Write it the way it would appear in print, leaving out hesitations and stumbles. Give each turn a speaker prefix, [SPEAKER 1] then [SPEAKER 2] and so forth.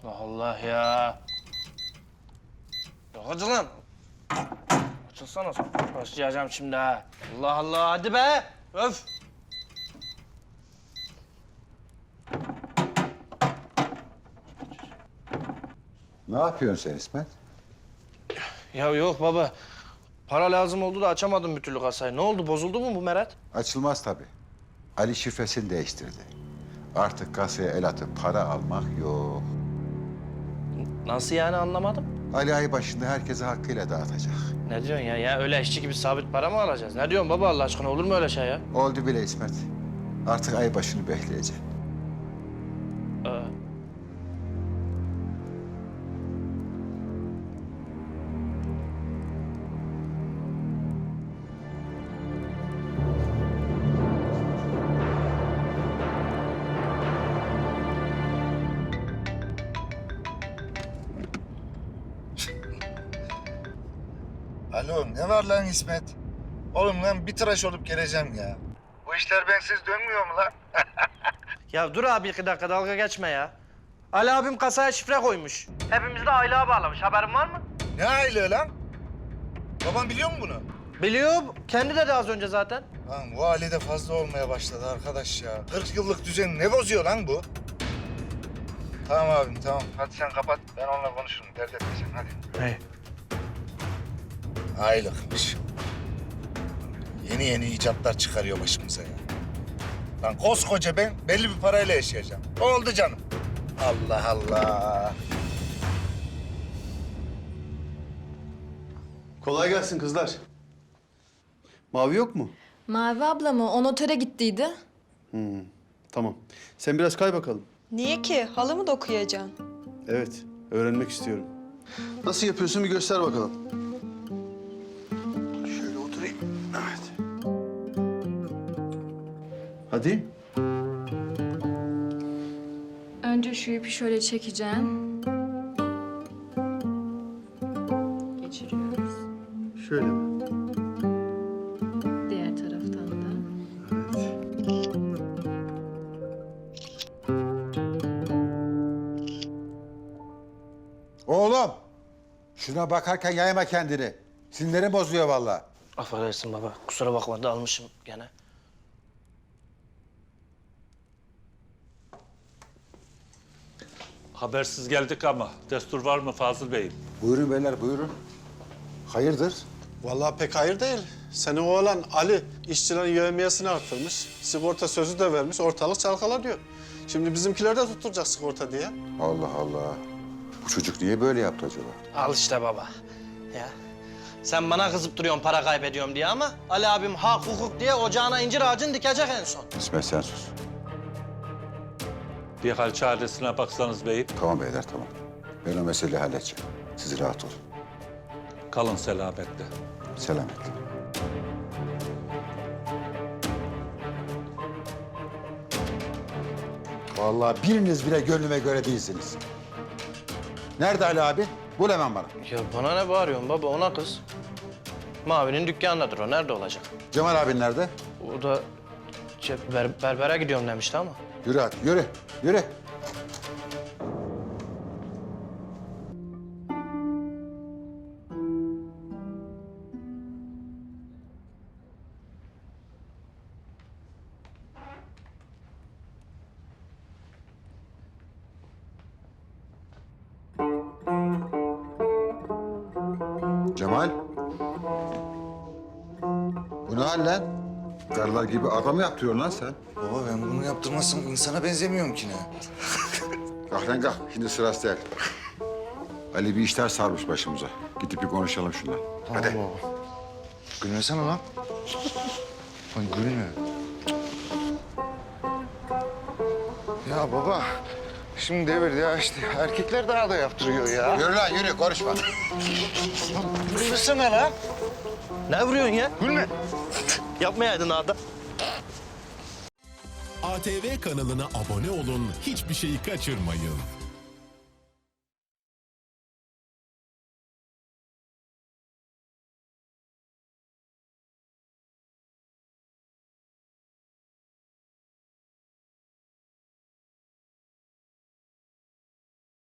[SPEAKER 1] Allah Allah ya. Yok hadi lan. Açılsana sen. Başlayacağım şimdi ha. Allah Allah hadi be. Öf.
[SPEAKER 2] Ne yapıyorsun sen İsmet?
[SPEAKER 1] Ya yok baba. Para lazım oldu da açamadım bir türlü kasayı. Ne oldu? Bozuldu mu bu Meret?
[SPEAKER 2] Açılmaz tabii. Ali şifresini değiştirdi. Artık kasaya el atıp para almak yok.
[SPEAKER 1] Nasıl yani anlamadım.
[SPEAKER 2] Ali ay başında herkese hakkıyla dağıtacak.
[SPEAKER 1] Ne diyorsun ya? Ya öyle eşçi gibi sabit para mı alacağız? Ne diyorsun baba Allah aşkına? Olur mu öyle şey ya?
[SPEAKER 2] Oldu bile İsmet. Artık ay başını bekleyeceksin.
[SPEAKER 3] Alo, ne var lan İsmet? Oğlum lan bir tıraş olup geleceğim ya. Bu işler bensiz dönmüyor mu lan?
[SPEAKER 1] Ya dur abi 2 dakika dalga geçme ya. Ali abim kasaya şifre koymuş. Hepimiz de aylığa bağlamış. Haberin var mı?
[SPEAKER 3] Ne aylığı lan? Baban biliyor mu bunu?
[SPEAKER 1] Biliyor. Kendi dedi az önce zaten.
[SPEAKER 3] Lan bu Ali de fazla olmaya başladı arkadaş ya. 40 yıllık düzeni ne bozuyor lan bu? Tamam abim tamam. Hadi sen kapat. Ben onunla konuşurum. Dert etme sen hadi.
[SPEAKER 1] Hey.
[SPEAKER 3] Aylıkmış. Yeni yeni icatlar çıkarıyor başımıza ya. Lan koskoca ben belli bir parayla yaşayacağım. Oldu canım. Allah Allah.
[SPEAKER 4] Kolay gelsin kızlar. Mavi yok mu?
[SPEAKER 5] Mavi abla mı? O notere gittiydi.
[SPEAKER 4] Tamam. Sen biraz kay bakalım.
[SPEAKER 6] Niye ki? Halı mı dokuyacaksın?
[SPEAKER 4] Evet, öğrenmek istiyorum. Nasıl yapıyorsun bir göster bakalım. Şöyle oturayım. Evet. Hadi.
[SPEAKER 5] Önce şu ipi şöyle çekeceğim. Geçiriyoruz.
[SPEAKER 4] Şöyle mi?
[SPEAKER 5] Diğer taraftan da.
[SPEAKER 2] Oğlum! Şuna bakarken yayma kendini. Sinirlerim bozuyor vallahi.
[SPEAKER 1] Affedersin baba. Kusura bakma dalmışım gene.
[SPEAKER 7] Habersiz geldik ama destur var mı Fazıl Bey'im?
[SPEAKER 2] Buyurun beyler buyurun. Hayırdır?
[SPEAKER 4] Vallahi pek hayır değil. Senin oğlan Ali işçilerin yevmiyesini arttırmış. Sigorta sözü de vermiş. Ortalık çalkalanıyor. Şimdi bizimkiler de tutturacak sigorta diye.
[SPEAKER 2] Allah Allah. Bu çocuk niye böyle yaptı acaba?
[SPEAKER 1] Al işte baba. Ya. Sen bana kızıp duruyorsun para kaybediyorum diye ama Ali abim hak hukuk diye ocağına incir ağacını dikecek en son.
[SPEAKER 2] İsmet sen sus.
[SPEAKER 7] Bir hal çaresine baksanız beyim.
[SPEAKER 2] Tamam beyler tamam. Ben o meseleyi halledeceğim. Siz rahat olun.
[SPEAKER 7] Kalın selametle.
[SPEAKER 2] Selametle. Vallahi biriniz bile gönlüme göre değilsiniz. Nerede Ali abi? Bul hemen bana.
[SPEAKER 1] Ya bana ne bağırıyorsun baba ona kız. Mavi'nin dükkanındadır o. Nerede olacak?
[SPEAKER 2] Cemal abin nerede?
[SPEAKER 1] O da berbere gidiyorum demişti ama.
[SPEAKER 2] Yürü hadi yürü. Yürü. Cemal. Bu ne hal lan? Karılar gibi adam yaptırıyorsun lan sen.
[SPEAKER 3] Baba ben bunu yaptırmazsam insana benzemiyorum ki ne?
[SPEAKER 2] Kalk lan kalk. Şimdi sırası değil. Ali bir işler sarmış başımıza. Gidip bir konuşalım şundan. Hadi.
[SPEAKER 3] baba. Gülmesene lan. Lan gülme. Ya baba, şimdi devirdi ya işte. Erkekler daha da yaptırıyor ya.
[SPEAKER 2] Yürü lan yürü konuşma.
[SPEAKER 3] Gülmesene lan.
[SPEAKER 1] Ne vuruyorsun ya?
[SPEAKER 3] Gülme.
[SPEAKER 1] Yapmayaydın Ada.
[SPEAKER 8] ATV kanalına abone olun, hiçbir şeyi kaçırmayın.